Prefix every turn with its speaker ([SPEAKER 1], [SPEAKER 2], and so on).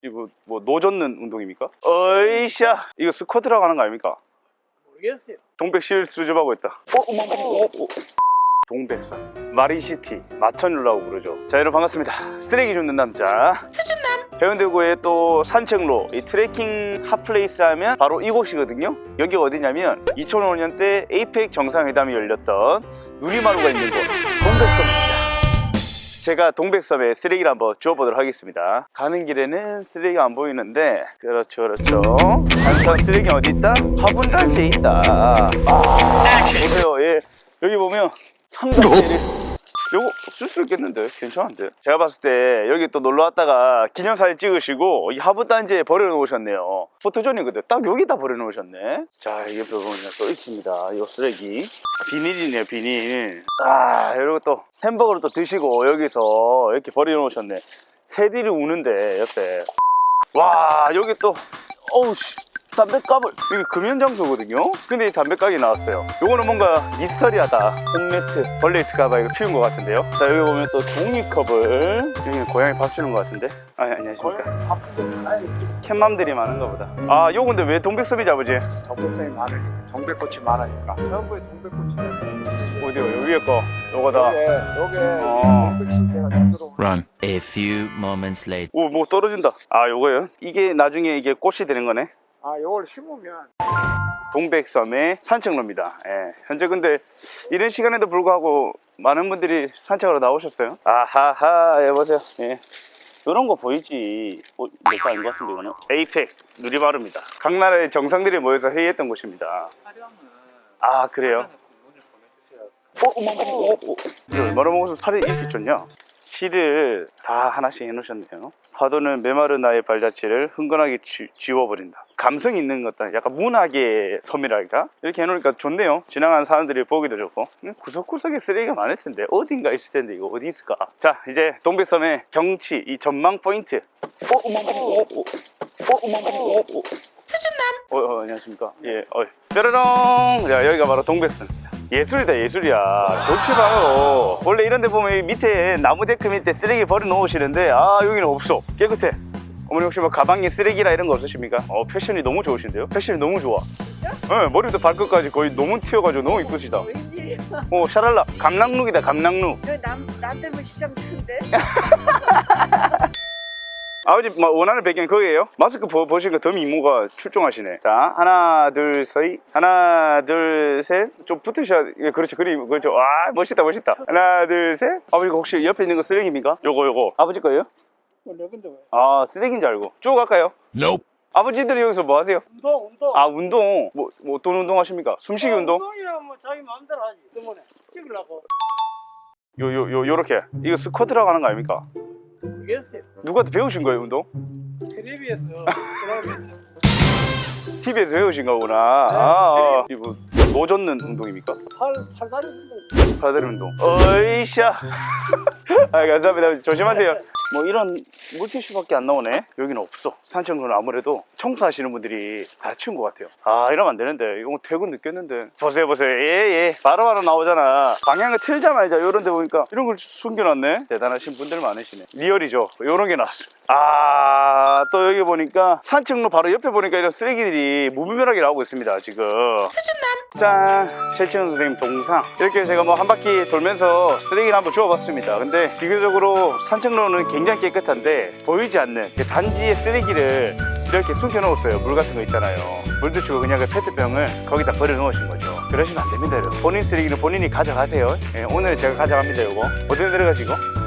[SPEAKER 1] 이거 뭐 노젓는 운동입니까? 어이샤, 이거 스쿼트라고 하는 거 아닙니까?
[SPEAKER 2] 모르겠어요.
[SPEAKER 1] 동백실 수줍하고 있다. 동백섬 마린시티 마천루라고 부르죠. 자, 여러분 반갑습니다. 쓰레기 줍는 남자 수줍남. 해운대구의 또 산책로, 이 트레킹 핫플레이스 하면 바로 이곳이거든요. 여기가 어디냐면 2005년 때 에이펙 정상회담이 열렸던 누리마루가 있는 곳 동백섬입니다. 제가 동백섬에 쓰레기를 한번 주워보도록 하겠습니다. 가는 길에는 쓰레기가 안 보이는데, 그렇죠. 단순한 쓰레기는 어디 있다? 화분단지에 있다. 보세요. 예. 여기 보면 삼각대를 요거 쓸 수 있겠는데 괜찮은데. 제가 봤을 때 여기 또 놀러 왔다가 기념사진 찍으시고 이 화분단지에 버려놓으셨네요. 포토존이거든. 딱 여기다 버려놓으셨네. 자, 이게 보면 또 있습니다. 이 쓰레기 비닐이네요. 비닐. 이러고 또 햄버거를 또 드시고 여기서 이렇게 버려놓으셨네. 새들이 우는데 옆에. 와, 여기 또 어우씨, 담배값을, 이게 금연장소거든요. 근데 이 담배값이 나왔어요. 요거는 뭔가 미스터리하다. 홈매트 벌레 있을까봐 이거 피운 것 같은데요. 자, 여기 보면 또 종이컵을, 여기는 고양이 밥 주는 것 같은데. 안녕하십니까. 캣맘들이 많은가 보다. 요 근데 왜 동백섬이지 아버지?
[SPEAKER 2] 동백섬이 많으니까, 동백꽃이 많으니까. 전부에 동백꽃이.
[SPEAKER 1] 어디요? 여기에 거 요거다.
[SPEAKER 2] 요게 동백신대가 들어오는.
[SPEAKER 3] Run. A few moments later.
[SPEAKER 1] 오, 뭐 떨어진다. 요거요? 이게 나중에 이게 꽃이 되는 거네.
[SPEAKER 2] 요걸 심으면.
[SPEAKER 1] 동백섬의 산책로입니다. 예. 현재 근데 이런 시간에도 불구하고 많은 분들이 산책하러 나오셨어요. 아하하, 여보세요. 예. 이런 거 보이지? 내거 아닌 것 같은데 이거는? 에이펙 누리마루입니다. 각 나라의 정상들이 모여서 회의했던 곳입니다. 그래요? 이거 얼마나 먹어서 살이 이렇게 쪘냐? 실을 다 하나씩 해놓으셨네요. 파도는 메마른 나의 발자취를 흥건하게 지워버린다. 감성 있는 것다. 약간 문학의 섬이랄까? 이렇게 해놓으니까 좋네요. 지나가는 사람들이 보기도 좋고. 구석구석에 쓰레기가 많을 텐데 어딘가 있을 텐데 이거 어디 있을까? 자, 이제 동백섬의 경치, 이 전망 포인트. 수줍남. 안녕하십니까? 예. 뾰로롱. 자, 여기가 바로 동백섬입니다. 예술이다, 예술이야. 좋지 봐요. 원래 이런 데 보면 밑에 나무 데크 밑에 쓰레기 버려 놓으시는데 여기는 없어. 깨끗해. 어머니 혹시 뭐 가방에 쓰레기라 이런 거 없으십니까? 패션이 너무 좋으신데요? 패션이 너무 좋아. 네, 머리부터 발끝까지 거의 너무 튀어가지고 너무 이쁘시다.
[SPEAKER 4] 웬일이야?
[SPEAKER 1] 샤랄라. 감랑룩이다, 감랑룩.
[SPEAKER 4] 나 때문에 시장 큰데?
[SPEAKER 1] 아버지 원하는 배경 거기에요? 마스크 보시니까 더 미모가 출중하시네. 자, 하나 둘 셋. 하나 둘 셋. 좀 붙으셔야. 그렇죠. 그렇죠. 멋있다. 하나 둘 셋. 아버지 혹시 옆에 있는 거 쓰레기입니까? 요거 아버지 거예요?
[SPEAKER 2] 근데 왜?
[SPEAKER 1] 쓰레기인 줄 알고. 쭉 갈까요?
[SPEAKER 3] Nope.
[SPEAKER 1] 아버지들이 여기서 뭐 하세요?
[SPEAKER 2] 운동.
[SPEAKER 1] 운동. 뭐 어떤 운동 하십니까? 숨쉬기 운동?
[SPEAKER 2] 운동이야 뭐 자기 마음대로 하지. 때문에 찍으려고.
[SPEAKER 1] 요렇게. 이거 스쿼트라고 하는 거 아닙니까?
[SPEAKER 2] 모르겠어요.
[SPEAKER 1] 누구한테 배우신 거예요, 운동?
[SPEAKER 2] 텔레비에서
[SPEAKER 1] TV에서 배우신 거구나. 이거 노젓는 운동입니까?
[SPEAKER 2] 팔다리 운동.
[SPEAKER 1] 팔다리 운동. 어이샤. 감사합니다. 조심하세요. 뭐 이런 물티슈밖에 안 나오네. 여기는 없어. 산책로는 아무래도 청소하시는 분들이 다 치운 것 같아요. 이러면 안 되는데. 이거 퇴근 늦겠는데. 보세요. 예. 바로바로 나오잖아. 방향을 틀자마자 이런 데 보니까 이런 걸 숨겨놨네. 대단하신 분들 많으시네. 리얼이죠. 이런 게 나왔어요. 또 여기 보니까 산책로 바로 옆에 보니까 이런 쓰레기들이 무분별하게 나오고 있습니다. 지금. 수줍남. 짠. 최치현 선생님 동상. 이렇게 제가 뭐 한 바퀴 돌면서 쓰레기를 한번 주워봤습니다. 근데 비교적으로 산책로는 굉장히 깨끗한데 보이지 않는 단지의 쓰레기를 이렇게 숨겨놓았어요. 물 같은 거 있잖아요. 물 드시고 그냥 그 페트병을 거기다 버려놓으신 거죠. 그러시면 안 됩니다. 여러분. 본인 쓰레기는 본인이 가져가세요. 오늘 제가 가져갑니다. 요거 어디로 내려가시고?